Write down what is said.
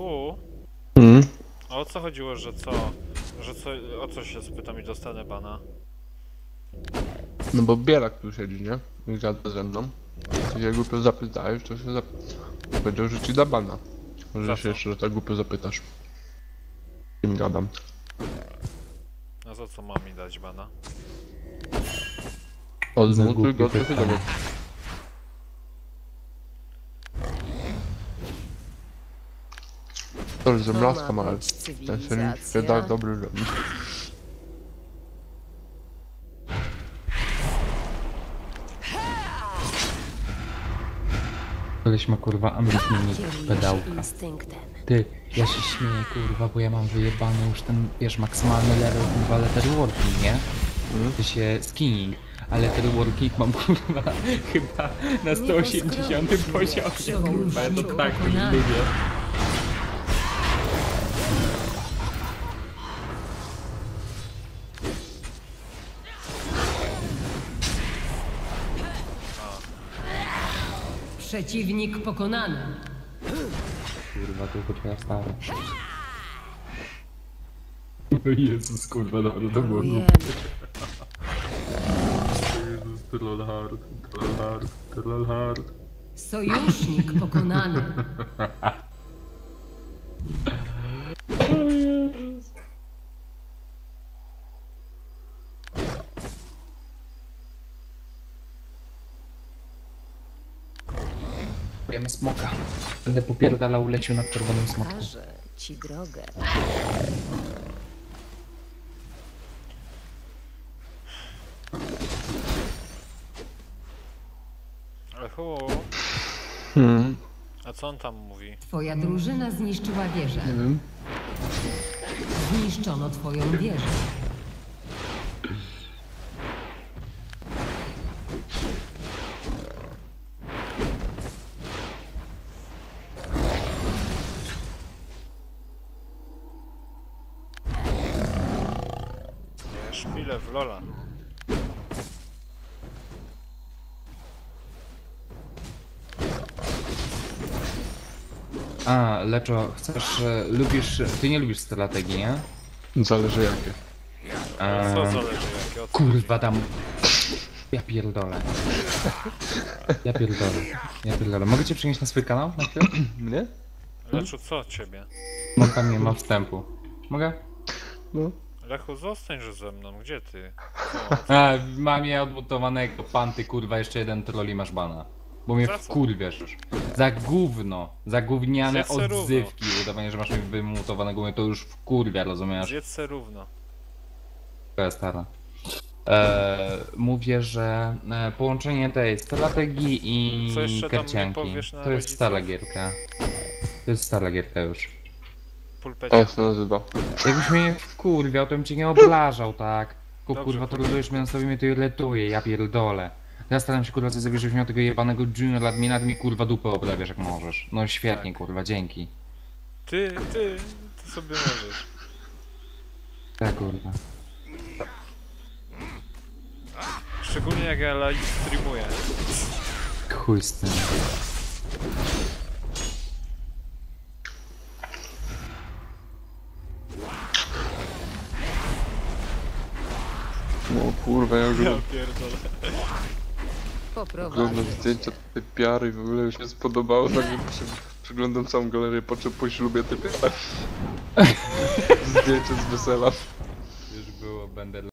Lechu? Mhm. A o co chodziło, że co? O co się spytam i dostanę bana? No bo Bielak tu siedzi, nie? I gada ze mną. Ty się głupio zapytałeś, to się powiedział, że ci da bana. Za Może się co? jeszcze tak głupio zapytasz. Kim gadam. A za co mam mi dać bana? Odmutuj go, co się dowie. To już zemlaska ma, ale ten się nie da dobry robić. Koleś ma kurwa ambitny pedałka. Ty, ja się śmieję kurwa, bo ja mam wyjebany już ten, wiesz, maksymalny level kurwa letterworking, nie? Ty się skinning, a letterworking mam kurwa chyba na 180 poziomie, kurwa, ja to tak lubię. Przeciwnik pokonany. Kurwa, tylko twoja stara. Jezus, kurwa, dobra, to było Ujemy. Jezus, troll hard. Sojusznik pokonany. Wiemy smoka. Będę popierdalał leciu nad czerwonym smokiem. Pokażę ci drogę. Lechu? Hmm. A co on tam mówi? Twoja drużyna zniszczyła wieżę. Nie wiem. Zniszczono twoją wieżę. Nie, szpilę w Lola. A, Leczo, chcesz, lubisz, ty nie lubisz strategii, nie? Zależy jakie. Co zależy jakie? O co Kurwa tam. Ja pierdolę. Ja pierdolę. Mogę cię przynieść na swój kanał na chwilę? Mnie? Leczu, co od ciebie? Bo tam nie ma wstępu. Mogę? No. Lechu, zostańże ze mną, gdzie ty? A, mam je odmutowanego. Pan ty kurwa, jeszcze jeden trolli masz bana. Bo mnie Za co? wkurwiasz już. Za gówno. Za gówniane Zjedz se równo. odzywki. Udawanie, że masz mi wymutowanego, mnie to już wkurwia, rozumiesz? Zjedz se równo. To jest stara. Mówię, że połączenie tej strategii Co jeszcze i tam mi karcianki. powiesz na To jest rodziców? stara gierka. To jest stara gierka już. Pulpecie. Jak się nazywa? Jakbyś mnie wkurwiał, to bym cię nie obrażał, tak? Tylko Dobrze, kurwa, kurwa. trolujesz mnie na sobie, mnie to irytuje, ja pierdolę. Ja staram się kurwa coś zrobić, żebyś miał tego jebanego junior admina, ty mi kurwa dupę obrabiasz jak możesz. No świetnie Tak. kurwa, dzięki. Ty sobie możesz. Tak kurwa. Szczególnie jak ja live streamuję. Chuj z tym. No kurwa, ja już Ja pierdolę. Poprowadzę. oglądam zdjęcia tej piary i w ogóle mi się spodobało, tak przeglądam całą galerię, po czym po ślubie typie. Zdjęcie z wesela. Już było, będę